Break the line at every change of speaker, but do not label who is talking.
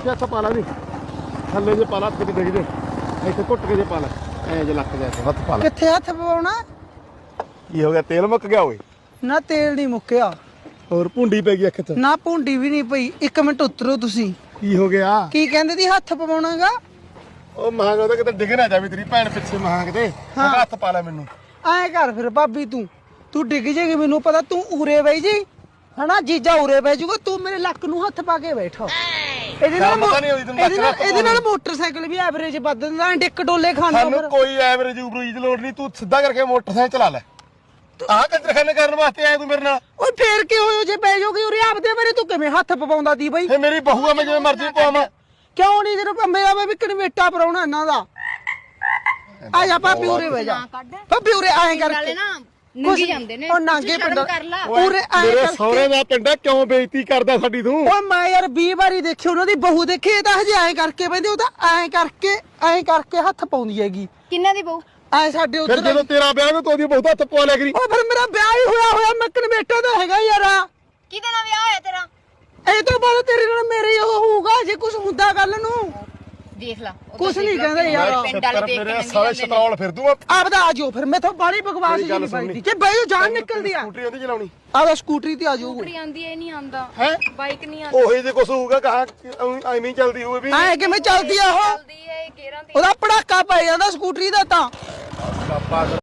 ਇੱਥੇ ਹੱਥ ਪਾ ਲਾ ਨੀ ਥੱਲੇ ਜੇ ਪਾ ਲਾ ਹੱਥ ਡਿੱਗ ਜੇ ਇੱਥੇ ਘੁੱਟ ਕੇ ਜੇ ਪਾ ਲੈ ਐ ਜੇ ਲੱਕ ਜਾ ਹੱਥ ਪਾ ਲੈ
ਕਿੱਥੇ ਹੱਥ ਪਵਾਉਣਾ
ਕੀ ਹੋ ਗਿਆ ਤੇਲ ਮੁੱਕ ਗਿਆ ਓਏ
ਨਾ ਤੇਲ ਨਹੀਂ ਮੁੱਕਿਆ
ਹੋਰ ਭੁੰਡੀ ਪੈ ਗਈ ਅੱਖ 'ਚ
ਨਾ ਭੁੰਡੀ ਵੀ ਨਹੀਂ ਪਈ 1 ਮਿੰਟ ਉਤਰੋ ਤੁਸੀਂ
ਕੀ ਹੋ ਗਿਆ
ਕੀ ਕਹਿੰਦੇ ਦੀ ਹੱਥ ਪਵਾਉਣਾਗਾ
ਉਹ ਮਹਾਂ ਉਹਦਾ ਕਿਤੇ ਡਿੱਗ ਨਾ ਜਾਵੇ ਤੇਰੀ ਭੈਣ ਪਿੱਛੇ ਮਹਾਂ ਕਿਤੇ ਹੱਥ ਪਾ ਲੈ ਮੈਨੂੰ
ਐਂ ਕਰ ਫਿਰ ਭਾਬੀ ਤੂੰ ਡਿੱਗ ਜੇਗੀ ਮੈਨੂੰ ਪਤਾ ਤੂੰ ਉਰੇ ਬਈ ਜੀ ਹਨਾ ਜੀਜਾ ਉਰੇ ਬਹਿ ਜੂਗਾ ਤੂੰ ਮੇਰੇ ਲੱਕ ਨੂੰ ਹੱਥ ਪਾ ਕੇ ਬੈਠਾ ਇਹਦੇ ਨਾਲ ਮੋਟਰਸਾਈਕਲ ਵੀ ਐਵਰੇਜ ਵੱਧ ਦਿੰਦਾ ਡਿੱਕ ਡੋਲੇ ਖਾਂਦਾ
ਸਾਨੂੰ ਕੋਈ ਐਵਰੇਜ ਉਬਰੇਜ ਦੀ ਲੋੜ ਨਹੀਂ ਤੂੰ ਸਿੱਧਾ ਕਰਕੇ ਮੋਟਰਸਾਈਕਲ ਚਲਾ ਲੈ ਆਹ ਕੰਜਰਖਾਨੇ ਕਰਨ ਵਾਸਤੇ ਆਇਆ ਤੂੰ ਮੇਰੇ ਨਾਲ
ਓਏ ਫੇਰ ਕੀ ਹੋਇਆ ਜੇ ਬਹਿ ਜਾਓਗੀ ਉਰੇ ਆਪਦੇ ਬਾਰੇ ਤੂੰ ਕਿਵੇਂ ਹੱਥ ਪਵਾਉਂਦਾ ਦੀ ਬਈ
ਫੇ ਮੇਰੀ ਬਹੂ ਆ ਮੈਂ ਜਿਵੇਂ ਮਰਜ਼ੀ ਪਵਾਵਾਂ
ਕਿਉਂ ਨਹੀਂ ਜਦੋਂ ਮੇਰਾ ਮੈਂ ਵੀ ਕਨਵੇਟਾ ਪਰਾਉਣਾ ਇਹਨਾਂ ਦਾ ਆ ਜਾ ਭਾਬੀ ਉਰੇ ਬਹਿ ਜਾ ਭਾਬੀ ਉਰੇ ਆਏ ਕਰਕੇ
ਨੰਗੀ ਜਾਂਦੇ ਨੇ
ਉਹ ਨਾਂਗੇ ਪਿੰਡ ਉਰੇ ਆਏ
ਮੇਰੇ
ਕਰਕੇ
ਸਹੁਰੇ ਦਾ ਪਿੰਡਾ ਕਿਉਂ ਬੇਇੱਜ਼ਤੀ ਕਰਦਾ ਸਾਡੀ ਤੂੰ
ਓਏ ਮੈਂ ਯਾਰ 20 ਵਾਰੀ ਦੇਖੀ ਉਹਨਾਂ ਦੀ ਬਹੂ ਦੇਖੀ ਇਹ ਤਾਂ ਹਜੇ ਐਂ ਕਰਕੇ ਬੈਂਦੇ ਉਹ ਤਾਂ ਐਂ ਕਰਕੇ ਹੱਥ ਪਾਉਂਦੀ ਹੈਗੀ
ਕਿੰਨਾ ਦੀ ਬਹੂ
ਐ ਸਾਡੇ
ਫਿਰ
ਉੱਧਰ
ਜਦੋਂ ਤੇਰਾ ਵਿਆਹ ਨੂੰ ਤੋਦੀ ਬਹੁਤ ਹੱਥ ਪਵਾ ਲਿਆ ਕਰੀ
ਓ ਫਿਰ ਮੇਰਾ ਵਿਆਹ ਹੀ ਹੋਇਆ ਮੈਂ ਕਨਵੇਟਾ ਦਾ ਹੈਗਾ ਯਾਰ
ਕਿਹਦੇ ਨਾਲ ਵਿਆਹ ਹੋਇਆ ਤੇਰਾ
ਇਹ ਤੋਂ ਬਾਅਦ ਤੇਰੇ ਨਾਲ ਮੇਰੇ ਉਹ ਹੋਊਗਾ ਜੇ ਕੁਝ ਹੁੰਦਾ ਕੱਲ ਨੂੰ
ਦੇਖ ਲਾ
ਕੁਛ ਨਹੀਂ ਕਹਿੰਦੇ ਯਾਰ
ਮੇਰੇ ਸਾਲੇ ਸ਼ਤਰੌਲ ਫਿਰ ਦੂੰਗਾ
ਆਪਦਾ ਆ ਜਾਓ ਫਿਰ ਮੈਥੋਂ ਬਾੜੀ ਬਕਵਾਸ ਜੀ ਨਹੀਂ ਪਾਈਦੀ ਜੇ ਬਈ ਜਾਨ ਨਿਕਲਦੀ ਆ
ਸਕੂਟਰੀ ਉਹਦੀ ਚਲਾਉਣੀ
ਆਦਾ ਸਕੂਟਰੀ ਤੇ ਆ ਜਾਓ
ਸਕੂਟਰੀ ਆਂਦੀ ਐ ਨਹੀਂ ਆਂਦਾ
ਹੈ
ਬਾਈਕ ਨਹੀਂ ਆਂਦੀ
ਉਹੀ ਜੇ ਕੁਛ ਹੋਊਗਾ ਕਹਾ ਐਵੇਂ ਹੀ ਚੱਲਦੀ ਹੋਵੇ ਵੀ
ਐ ਕਿਵੇਂ ਚੱਲਦੀ ਆ ਉਹ
ਚੱਲਦੀ ਐ ਗੇਰਾਂ ਤੇ
ਉਹਦਾ ਪੜਾਕਾ ਪੈ ਜਾਂਦਾ ਸਕੂਟਰੀ ਦਾ ਤਾਂ